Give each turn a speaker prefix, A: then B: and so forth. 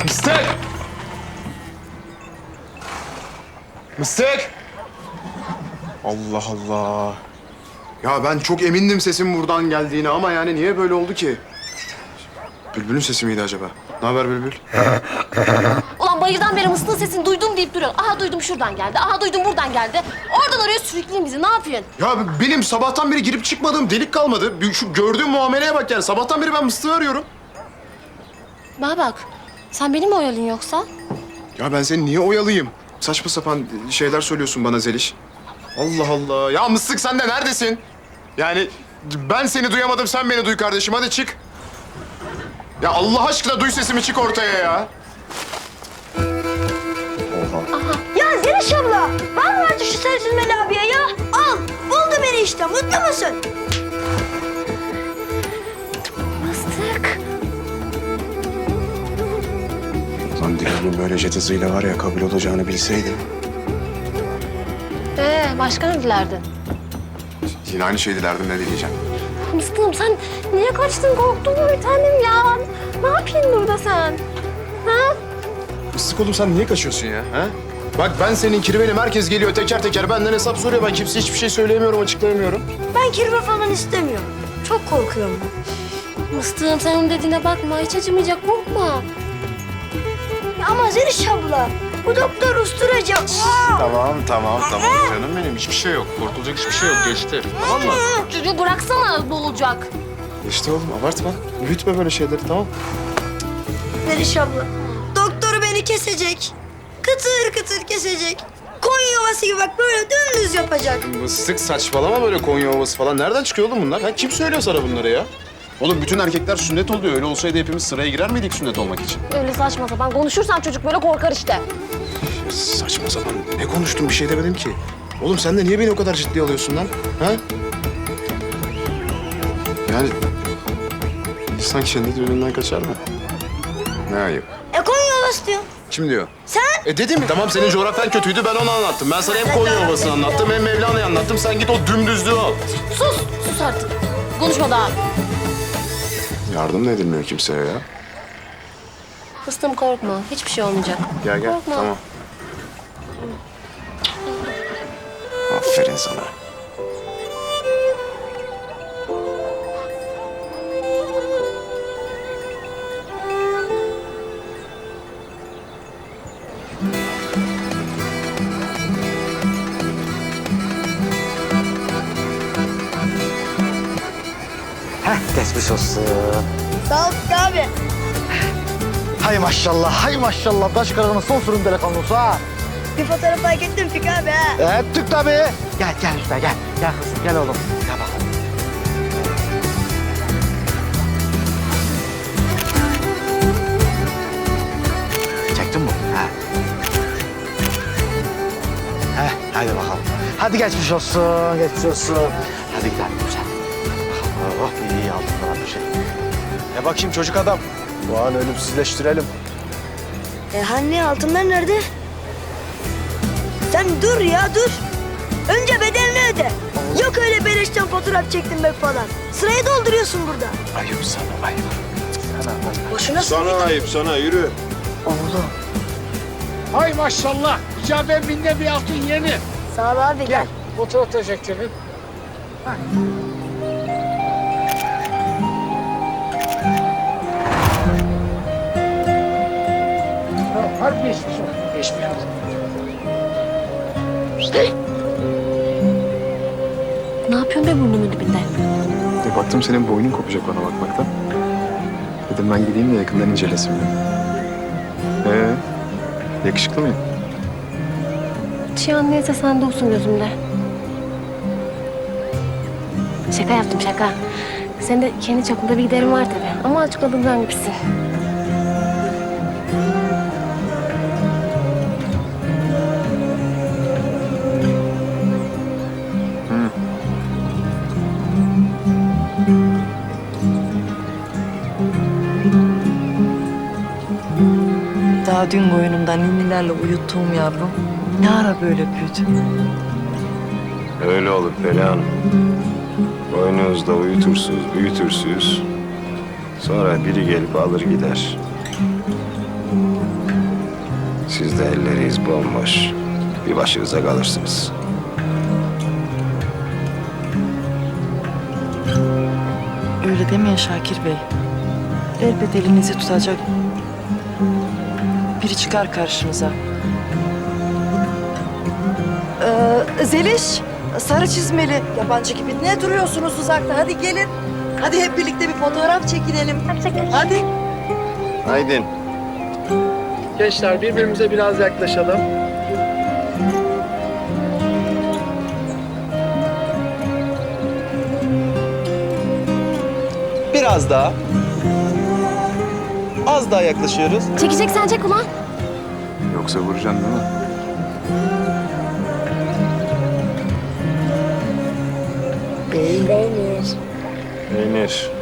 A: Mıstık! Mıstık! Allah Allah. Ya ben çok emindim sesin buradan geldiğine ama yani niye böyle oldu ki? Bülbül'ün sesi miydi acaba? Ne haber Bülbül?
B: Ulan bayırdan beri mıslığın sesini duydum deyip duruyorsun. Aha duydum şuradan geldi, aha duydum buradan geldi. Oradan oraya sürükleyin bizi, ne yapıyorsun?
A: Ya benim sabahtan beri girip çıkmadığım delik kalmadı. Şu gördüğüm muameleye bak yani. Sabahtan beri ben Mıstık'ı arıyorum.
B: Bana bak, sen beni mi oyalıyorsun yoksa?
A: Ya ben seni niye oyalayayım? Saçma sapan şeyler söylüyorsun bana Zeliş. Allah Allah. Ya Mıstık sen de neredesin? Yani ben seni duyamadım, sen beni duy kardeşim. Hadi çık. Ya Allah aşkına duy sesimi, çık ortaya ya. Oha.
C: Ya Zeliş abla, var mı artık şu Sarı Çizmeli abiye ya? Al, buldu beni işte, mutlu musun?
B: Mıstık.
A: Lan Dilan'ın böyle jet hızıyla var ya kabul olacağını bilseydim.
B: Başka ne dilerdin?
A: Yine aynı şeyi dilerdim, ne diyeceğim.
B: Mıstığım sen niye kaçtın? Korktun mu bir tanem ya? Ne yapıyorsun burada sen? Ha?
A: Mıstık oğlum sen niye kaçıyorsun ya? Ha? Bak ben senin kirvenim, herkes geliyor teker teker benden hesap soruyor. Ben kimseye hiçbir şey söyleyemiyorum, açıklayamıyorum.
C: Ben kirve falan istemiyorum. Çok korkuyorum ben.
B: Mıstığım sen onun dediğine bakma, hiç acımayacak, korkma.
C: Ya ama Zeliş abla, bu doktor usturacı.
A: Tamam canım benim, hiçbir şey yok. Korkulacak hiçbir şey yok, geçti. Tamam mı?
B: Çocuğu bıraksana, boğulacak.
A: Geçti oğlum, abartma. Büyütme böyle şeyleri, tamam.
C: Zeliş abla, doktor beni kesecek. Kıtır kıtır kesecek. Koyun yuvası gibi bak böyle dümdüz yapacak.
A: Mıstık saçmalama, böyle Konya Ovası falan. Nereden çıkıyor oğlum bunlar? Ha, kim söylüyor sana bunları ya? Oğlum bütün erkekler sünnet oluyor. Öyle olsaydı hepimiz sıraya girer miydik sünnet olmak için?
B: Öyle saçma sapan konuşursan çocuk böyle korkar işte.
A: Ya saçma sapan. Ne konuştum? Bir şey demedim ki. Oğlum sen de niye beni o kadar ciddiye alıyorsun lan? Ha? Yani insan kendi düğününden kaçar mı? Ne ayıp.
C: Koyun yuvası diyor.
A: Kim diyor?
C: Sen?
A: Dedim mi? Tamam senin coğrafyan kötüydü, ben onu anlattım. Ben sana hem Konya Ovası'nı anlattım hem Mevlana'yı anlattım. Sen git o dümdüzlüğü al.
B: Sus artık. Konuşma daha.
A: Yardım da edilmiyor kimseye ya.
B: Mıstığım korkma, hiçbir şey olmayacak.
A: Gel gel,
B: Korkma.
A: tamam. Aferin sana.
D: Geçmiş olsun.
C: Sağ ol abi.
D: Hay maşallah, hay maşallah. Taş kırığının son sürüm delikanlısı ha.
C: Bir fotoğraf fark ettim Fik abi ha.
D: Ettik tabii. Gel üstüne gel. Gel kızım, gel oğlum. Gel bakalım. Çektin mi? Ha. Hadi bakalım. Hadi geçmiş olsun, geçmiş olsun. Hadi gidelim güzel. Oh, iyi aldım falan bir şey.
A: Bakayım çocuk adam. Bu an ölümsüzleştirelim.
C: Hani altınlar nerede? Sen dur ya dur. Önce bedelini öde. Yok öyle beleşten fotoğraf çektirmek falan. Sırayı dolduruyorsun burada.
A: Ayıp sana, ayıp.
C: Boşuna
E: Sana ayıp, sana yürü.
C: Oğlum.
F: Hay maşallah. İcab binde bir altın yeni.
C: Sağ ol abi gel.
F: Fotoğraf teşekkürü. Hadi geçmiş olsun. Geçmiş olsun.
B: Ne yapıyorsun be burnumun dibinde?
A: Baktım senin boynun kopacak bana bakmaktan. Dedim ben gideyim de yakından incelesin beni. Yakışıklı mıyım?
B: Çiyan neyse sen de olsun gözümde. Şaka yaptım şaka. Senin de kendi çapında bir giderin var tabii. Ama açıkladığımdan gibisin.
G: Daha dün koynumdan ninnilerle uyuttuğum yavrum ne ara böyle büyüdü?
E: Öyle olur Perihan Hanım. Boynunuzda uyutursunuz, büyütürsünüz. Sonra biri gelip alır gider. Siz de elleriz bomboş. Bir başınıza kalırsınız.
G: Öyle demeyin Şakir Bey. Elbet elinizi tutacak biri çıkar karşınıza. Zeliş, sarı çizmeli. Yabancı gibi ne duruyorsunuz uzakta? Hadi gelin. Hadi hep birlikte bir fotoğraf çekinelim. Hadi.
E: Haydin.
H: Gençler birbirimize biraz yaklaşalım.
I: Biraz daha. Az daha yaklaşıyoruz.
B: Çekeceksen çek ulan.
A: Yoksa vuracaksın değil mi?
E: Peynir.